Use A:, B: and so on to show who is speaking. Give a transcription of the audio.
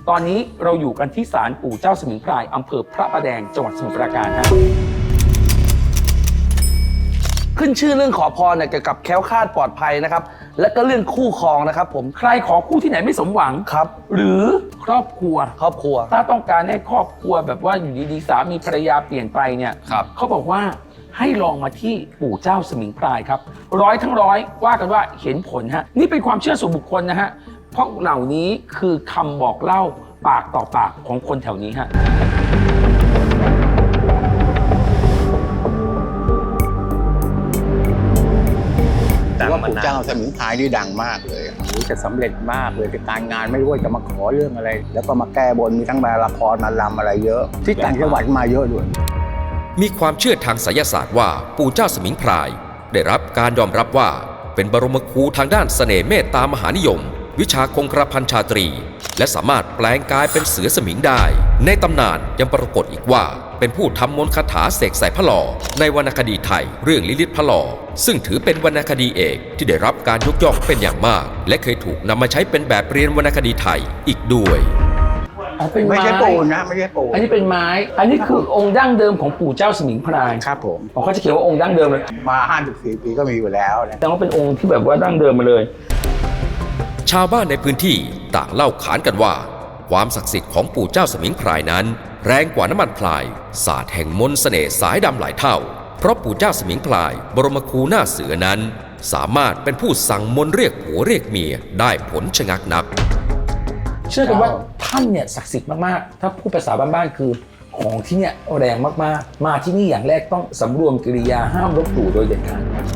A: ตอนนี้เราอยู่กันที่ศาลปู่เจ้าสมิงพรายอำเภอพระประแดงจังหวัดสมุทรปราการฮะ
B: ขึ้นชื่อเรื่องขอพรเนี่ยเกี่ยวกับแคล้วคลาดปลอดภัยนะครับและก็เรื่องคู่ครองนะครับผม
A: ใครขอคู่ที่ไหนไม่สมหวัง
B: ครับ
A: หรือครอบครัว
B: ครอบครัว
A: ถ้าต้องการให้ครอบครัวแบบว่าอยู่ดีๆสามีภรรยาเปลี่ยนไปเนี่ย
B: ครับ
A: เขาบอกว่าให้ลองมาที่ปู่เจ้าสมิงพรายครับร้อยทั้งร้อยว่ากันว่าเห็นผลฮะนี่เป็นความเชื่อส่วนบุคคลนะฮะเพราะเหล่านี้คือคำบอกเล่าปากต่อปากของคนแถวนี้ฮะ
C: ว่าปู่เจ้าสมิงพรายนี่ดังมากเลยจะสำเร็จมากเลยการงานไม่รู้ว่าจะมาขอเรื่องอะไร แล้วก็มาแก้บนมีทั้งมาละครมาลำอะไรเยอะ ที่ต่างจังหวัดมาเยอะด้วย
D: มีความเชื่อทางไสยศาสตร์ว่าปู่เจ้าสมิงพรายได้รับการยอมรับว่าเป็นบรมครูทางด้านเสน่ห์เมตตามหานิยม วิชาคงกระพันชาตรี และสามารถแปลงกายเป็นเสือสมิงได้ในตำนานยังปรากฏอีกว่าเป็นผู้ทำมนต์คาถาเสกใส่พระหล่อในวรรณคดีไทยเรื่องลิลิตพระหล่อซึ่งถือเป็นวรรณคดีเอกที่ได้รับการยกย่องเป็นอย่างมากและเคยถูกนำมาใช้เป็นแบบเรียนวรรณคดีไทยอีกด้วย
C: ไม่ใช่ปูนนะไม่ใช่ปูน
A: อันนี้เป็นไม้ อันนี้คือองค์ดั้งเดิมของปู่เจ้าสมิงพราย
C: ครับผม
A: เขาจะเขียนว่าองค์ดั้งเดิมเลย
C: มา54 ปีก็มีอยู่แล้วนะ
A: แต่ว่าเป็นองค์ที่แบบว่าดั้งเดิมมาเลย
D: ชาวบ้านในพื้นที่ต่างเล่าขานกันว่าความศักดิ์สิทธิ์ของปู่เจ้าสมิงพรายนั้นแรงกว่าน้ำมันพลายศาสตร์แห่งมนต์เสน่ห์สายดำหลายเท่าเพราะปู่เจ้าสมิงพรายบรมครูหน้าเสือนั้นสามารถเป็นผู้สั่งมนต์เรียกผัวเรียกเมียได้ผลชะงักนัก
A: เชื่อกันว่าท่านเนี่ยศักดิ์สิทธิ์มากๆ ถ้าพูดภาษาบ้านๆคือของที่เนี่ยแรงมากๆ มาที่นี่อย่างแรกต้องสำรวมกิริยาห้ามลบหลู่โดยเด็ดขาด